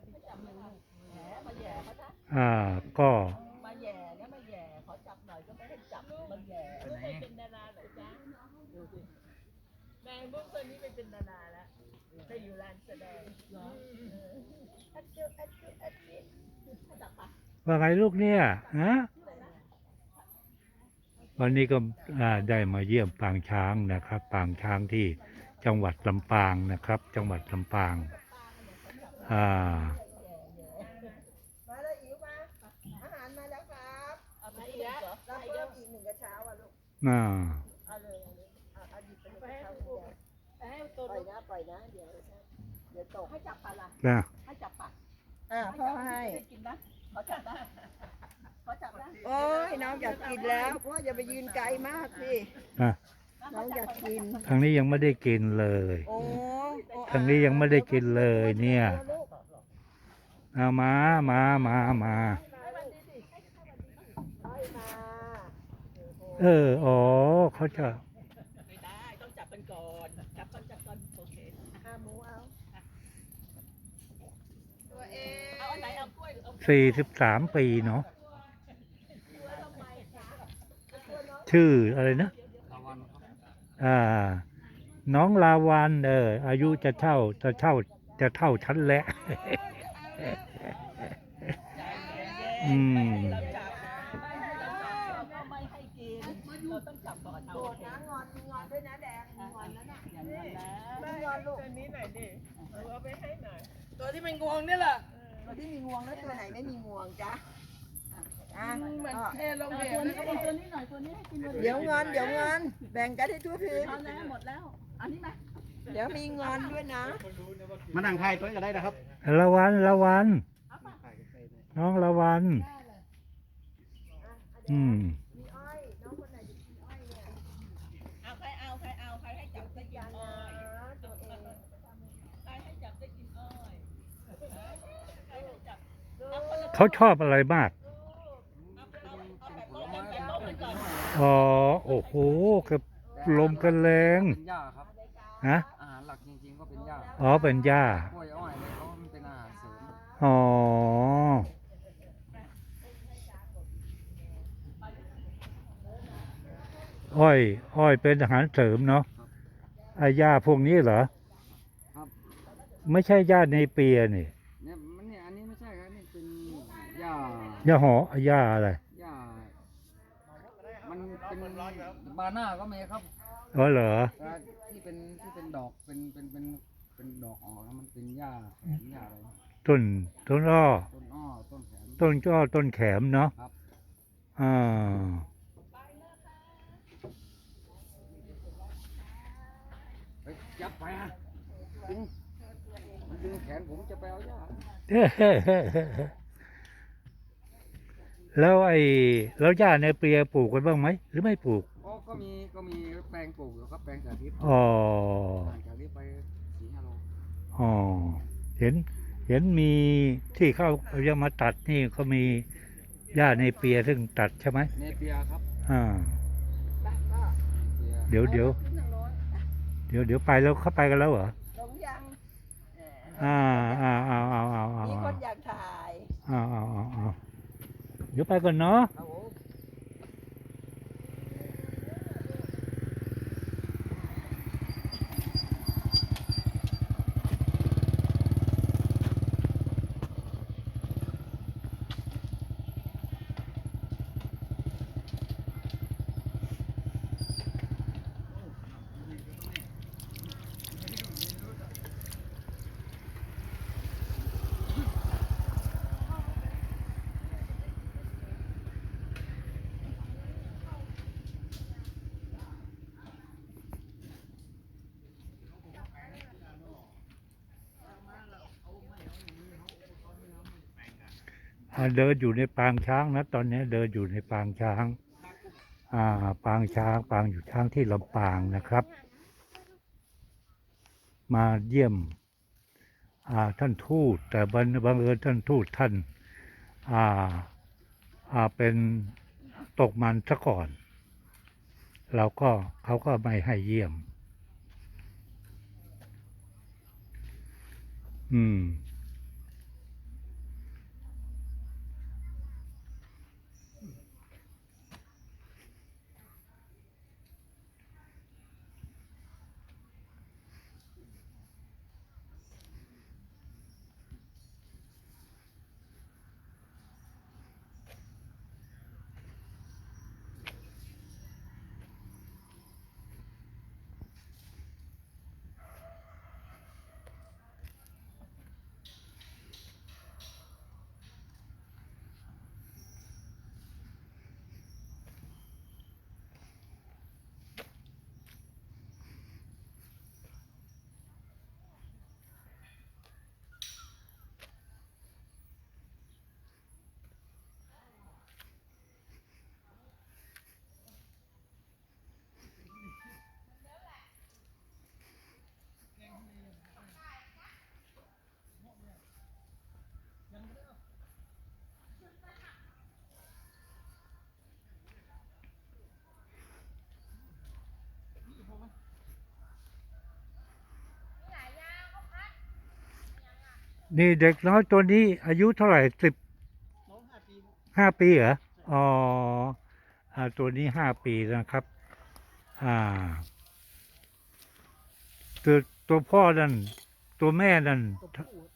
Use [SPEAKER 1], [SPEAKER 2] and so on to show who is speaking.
[SPEAKER 1] ก็
[SPEAKER 2] มาแย่แล้วมาแย่ขอจับหน่อยก็ไม่ให้จับมาแย่ไม่เป็นดาราเหรอจ๊ะดูสิแมงมุมตัวนี้เป็นดาราแล้วไปอยู่ร้านแสดงเหรออัดจุจับปะ
[SPEAKER 1] ว่าไงลูกเนี่ยฮะวันนี้ก็ได้มาเยี่ยมปางช้างนะครับปางช้างที่จังหวัดลำปางนะครับจังหวัดลำปาง
[SPEAKER 2] มาแล้วอิ๋วมาอาหารมาแล้วครับเอาไปอีกแล้วเราเพิ่มอีก1 กระเช้าอ่ะลูกเอาเลยเอาหยิบไปให้ลูกปล่อยนะเดี๋ยวตกให้จับปลาละให้จับปลาพ่อให้กินนะขอจับนะโอ้ยน้องอยากกินแล้วพ่ออย่าไปยืนไกลมากสิน้องอยากกิน
[SPEAKER 1] ทางนี้ยังไม่ได้กินเลยทางนี้ยังไม่ได้กินเลยเนี่ยเอามาอ๋อเขาจะ
[SPEAKER 2] ไม่ได้ต้องจับกันก่อนจับก่อนโอเคหมูเอาตัวเองเอาอันไหนเอากล้วย
[SPEAKER 1] 43 ปีเนาะชื่ออะไรนะน้องลาวันอายุจะเท่าฉันแล้ว
[SPEAKER 2] ไม่ให้กินเราต้องจับก่อนเอางอนด้วยนะแดงงอนแล้วนะงอนลูกตัวนี้หน่อยดิเอาไปให้หน่อยตัวที่มันงวงนี่แหละตัวที่มีงวงแล้วตัวไหนไม่มีงวงจ๊ะเหมือนเทลงเหวตัวนี้หน่อยตัวนี้ให้กินเดี๋ยวงอนแบ่งกันให้ทั่วถึงเอาแล้วหมดแล้วอันนี้ไหมเดี๋ยวมีงอนด้วยนะ
[SPEAKER 3] มานั่งไทยตัวก็ได้นะครับ
[SPEAKER 1] ละวันน้องละวัน
[SPEAKER 2] มีอ้อยน้องคนไหนจะกินอ้อยเนี่ยใครให้จับได้กินอ้อยใครให้จับได้กินอ้อย
[SPEAKER 1] เขาชอบอะไรมากโอ้โหกับลมกันแรง
[SPEAKER 3] เป็นหญ้าครับ
[SPEAKER 1] ฮะ
[SPEAKER 3] อาหารหลักจริงๆก็เป็นหญ้า
[SPEAKER 1] เป็นหญ้าก
[SPEAKER 3] ล้วยอ้อยเนี่ยเขาเป็นอาหารเสริ
[SPEAKER 1] มอ้อยเป็นอาหารเสริมเนาะหญ้าพวกนี้เหรอ
[SPEAKER 3] ครับ
[SPEAKER 1] ไม่ใช่หญ้าในเปียนี่
[SPEAKER 3] เนี่ยอันนี้ไม่ใช่ครับนี่เป็นหญ้า
[SPEAKER 1] หญ้าอะไร
[SPEAKER 3] มันเป็นบาน่าก็มีครับ
[SPEAKER 1] เหรอ
[SPEAKER 3] ที่เป็นดอกเป็นดอกออกแล้วมันเป็นหญ้าแขมหญ้าอะไร
[SPEAKER 1] ต้นอ้อ
[SPEAKER 3] ต้นแขม
[SPEAKER 1] ต้นแขมเนาะ
[SPEAKER 3] ครับยับไปมันดึงแขนผมจะไปเอาหญ้า
[SPEAKER 1] แล้วหญ้าในเปียปลูกกันบ้างไหมหรือไม่ปลูก
[SPEAKER 3] ก็มีแปลงปลูกอยู่ครับแปลงสาธิตจากนี้ไป4-5 โล
[SPEAKER 1] เห็นมีที่เขาจะมาตัดนี่เขามีหญ้าในเปียซึ่งตัดใช่ไหม
[SPEAKER 3] ในเปียครับ
[SPEAKER 1] เดี๋ยวไปแล้วเขาไปกันแล้วเหรอ
[SPEAKER 2] ลงยัง
[SPEAKER 1] มี
[SPEAKER 2] คนอยากถ่าย
[SPEAKER 1] เดี๋ยวไปก่อนเนาะเดินอยู่ในปางช้างนะตอนนี้เดินอยู่ในปางช้างปางอยู่ช้างที่ลำปางนะครับมาเยี่ยมท่านทูตแต่บังเอิญท่านทูตท่านเป็นตกมันซะก่อนเขาก็ไม่ให้เยี่ยมนี่เด็กน้อยตัวนี้อายุเท่าไหร่15 ปีเหรออ๋อตัวนี้5 ปีนะครับ อ่าตัวพ่อนั่นตัวแม่นั่น